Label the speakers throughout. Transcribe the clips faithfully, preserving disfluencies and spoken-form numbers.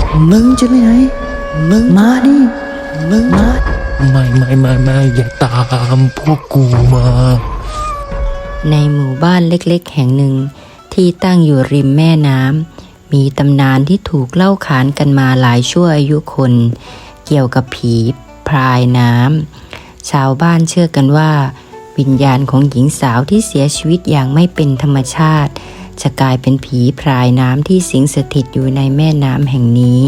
Speaker 1: มึงจะไปไหนมึงมาดิมึงมา
Speaker 2: ไม่ไม่ไม่ไม่อย่าตามพวกกูมา
Speaker 3: ในหมู่บ้านเล็กๆแห่งหนึ่งที่ตั้งอยู่ริมแม่น้ำมีตำนานที่ถูกเล่าขานกันมาหลายชั่วอายุคนเกี่ยวกับผีพรายน้ำชาวบ้านเชื่อกันว่าวิญญาณของหญิงสาวที่เสียชีวิตอย่างไม่เป็นธรรมชาติจะกลายเป็นผีพรายน้ำที่สิงสถิตอยู่ในแม่น้ำแห่งนี้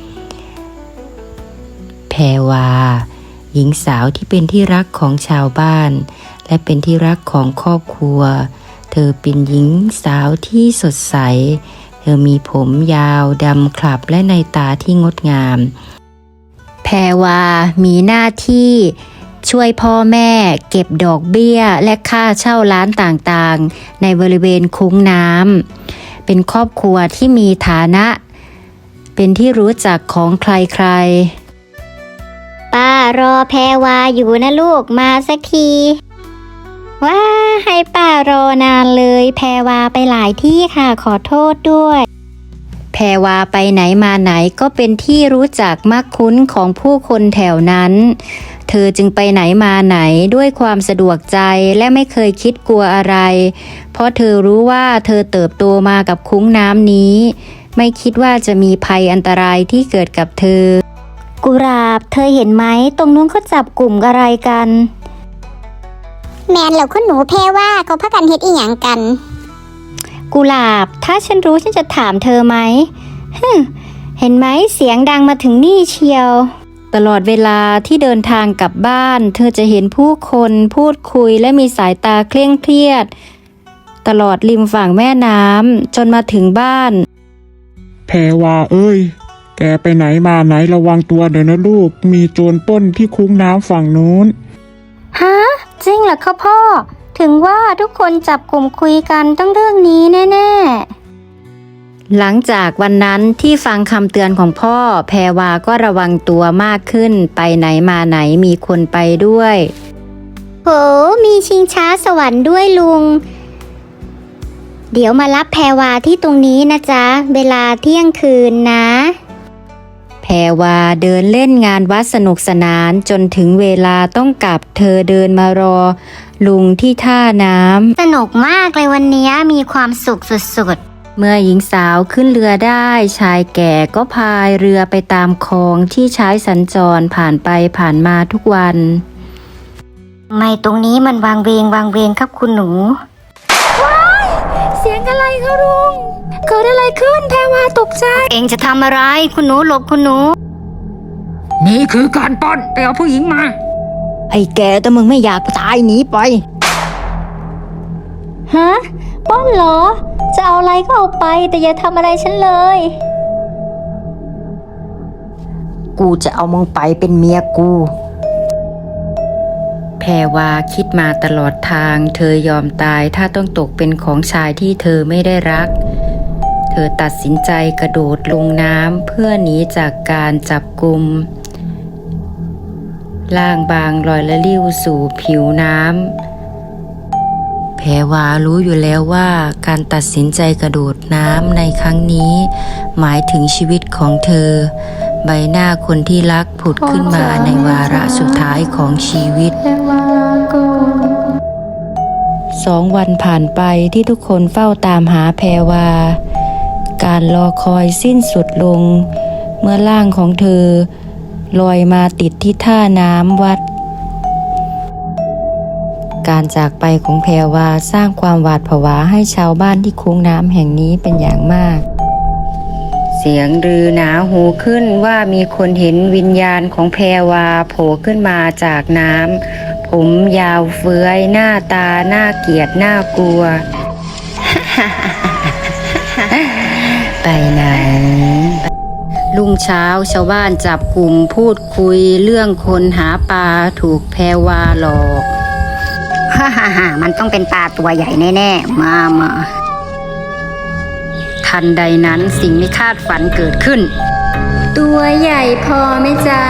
Speaker 3: แพรวาหญิงสาวที่เป็นที่รักของชาวบ้านและเป็นที่รักของครอบครัวเธอเป็นหญิงสาวที่สดใสเธอมีผมยาวดำคลับและในตาที่งดงามแพรวามีหน้าที่ช่วยพ่อแม่เก็บดอกเบี้ยและค่าเช่าร้านต่างๆในบริเวณคุ้งน้ำเป็นครอบครัวที่มีฐานะเป็นที่รู้จักของใครๆ
Speaker 4: ป้ารอแพรวาอยู่นะลูกมาสักทีว้าให้ป้ารอนานเลยแพรวาไปหลายที่ค่ะขอโทษด้วย
Speaker 3: แพรวาไปไหนมาไหนก็เป็นที่รู้จักมักคุ้นของผู้คนแถวนั้นเธอจึงไปไหนมาไหนด้วยความสะดวกใจและไม่เคยคิดกลัวอะไรเพราะเธอรู้ว่าเธอเติบโตมากับคุ้งน้ำนี้ไม่คิดว่าจะมีภัยอันตรายที่เกิดกับเธอ
Speaker 4: กุหลาบเธอเห็นไหมตรงนู้นเขาจับกลุ่มอะไรกันแมนเหล่าคุณหนูแพรว่าเขาพักกันเฮ็ดอีหยังกันกุหลาบถ้าฉันรู้ฉันจะถามเธอไหมฮึเห็นไหมเสียงดังมาถึงนี่เชียว
Speaker 3: ตลอดเวลาที่เดินทางกลับบ้านเธอจะเห็นผู้คนพูดคุยและมีสายตาเคร่งเครียดตลอดริมฝั่งแม่น้ำจนมาถึงบ้าน
Speaker 2: แพรวาเอ้ยแกไปไหนมาไหนระวังตัวเดี๋ยวนะลูกมีโจรปล้นที่คุ้งน้ำฝั่งนู้น
Speaker 4: ฮะจริงเหรอคะพ่อถึงว่าทุกคนจับกลุ่มคุยกันต้องเรื่องนี้แน่
Speaker 3: ๆหลังจากวันนั้นที่ฟังคำเตือนของพ่อแพรวาก็ระวังตัวมากขึ้นไปไหนมาไหนมีคนไปด้วย
Speaker 4: โหมีชิงช้าสวรรค์ด้วยลุงเดี๋ยวมารับแพรวาที่ตรงนี้นะจ๊ะเวลาเที่ยงคืนนะ
Speaker 3: แพรวาเดินเล่นงานวัดสนุกสนานจนถึงเวลาต้องกลับเธอเดินมารอลุงที่ท่าน้
Speaker 4: ำสนุกมากเลยวันนี้มีความสุขสุด
Speaker 3: ๆเมื่อหญิงสาวขึ้นเรือได้ชายแก่ก็พายเรือไปตามคลองที่ใช้สัญจรผ่านไปผ่านมาทุกวัน
Speaker 4: ไม่ตรงนี้มันวางเวงวางเวงครับคุณหนูว้ายเสียงอะไรคะลุงเกิดอะไรขึ้นแพรวาตกใจเองจะทำอะไรคุณหนูหลบคุณหนู
Speaker 1: นี่คือการปล้นไปเอาผู้หญิงมา
Speaker 3: ไอ้แกแต่มึงไม่อยากตายหนีไป
Speaker 4: ฮะปล้นเหรอจะเอาอะไรก็เอาไปแต่อย่าทำอะไรฉันเลย
Speaker 3: กูจะเอามึงไปเป็นเมียกูแพรวาคิดมาตลอดทางเธอยอมตายถ้าต้องตกเป็นของชายที่เธอไม่ได้รักเธอตัดสินใจกระโดดลงน้ำเพื่อหนีจากการจับกุมล่างบางลอยละลิ้วสู่ผิวน้ำแพรวารู้อยู่แล้วว่าการตัดสินใจกระโดดน้ำในครั้งนี้หมายถึงชีวิตของเธอใบหน้าคนที่รักผุดขึ้นมาในวาระสุดท้ายของชีวิตสองวันผ่านไปที่ทุกคนเฝ้าตามหาแพรวาการรอคอยสิ้นสุดลงเมื่อร่างของเธอลอยมาติดที่ท่าน้ำวัดการจากไปของแพรวาสร้างความหวาดผวาให้ชาวบ้านที่คุ้งน้ำแห่งนี้เป็นอย่างมากเสียงลือหนาหูขึ้นว่ามีคนเห็นวิญญาณของแพรวาโผล่ขึ้นมาจากน้ำผมยาวเฟื้อยหน้าตาน่าเกลียดน่ากลัว ไปไหนรุ่งเช้าชาวบ้านจับกลุ่มพูดคุยเรื่องคนหาปลาถูกแพรวาหลอก
Speaker 4: ฮ่าฮ่าฮ่ามันต้องเป็นปลาตัวใหญ่แน่ๆมามา
Speaker 3: ทันใดนั้นสิ่งไม่คาดฝันเกิดขึ้นตัวใหญ่พอไหมจ๊ะ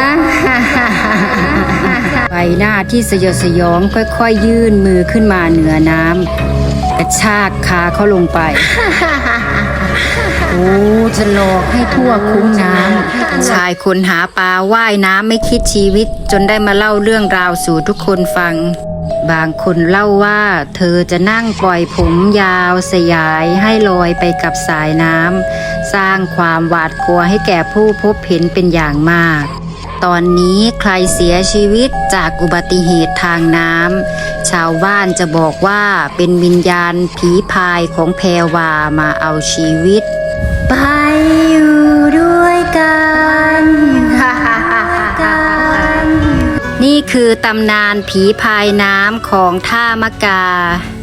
Speaker 3: ใบหน้าที่สยดสยองค่อยๆ ยื่นมือขึ้นมาเหนือน้ำกระชากขาเขาลงไป โอโอ้จะหลอกให้ทั่วคุ้งน้ำชายคนหาปลาว่ายน้ำไม่คิดชีวิตจนได้มาเล่าเรื่องราวสู่ทุกคนฟัง บางคนเล่าว่าเธอจะนั่งปล่อยผมยาวสยายให้ลอยไปกับสายน้ำสร้างความหวาดกลัวให้แก่ผู้พบเห็นเป็นอย่างมาก ตอนนี้ใครเสียชีวิตจากอุบัติเหตุทางน้ำชาวบ้านจะบอกว่าเป็นวิญญาณผีพายของแพรวามาเอาชีวิต ไปอยู่ด้วยกัน นี่คือตำนานผีพายน้ำของท่ามะกา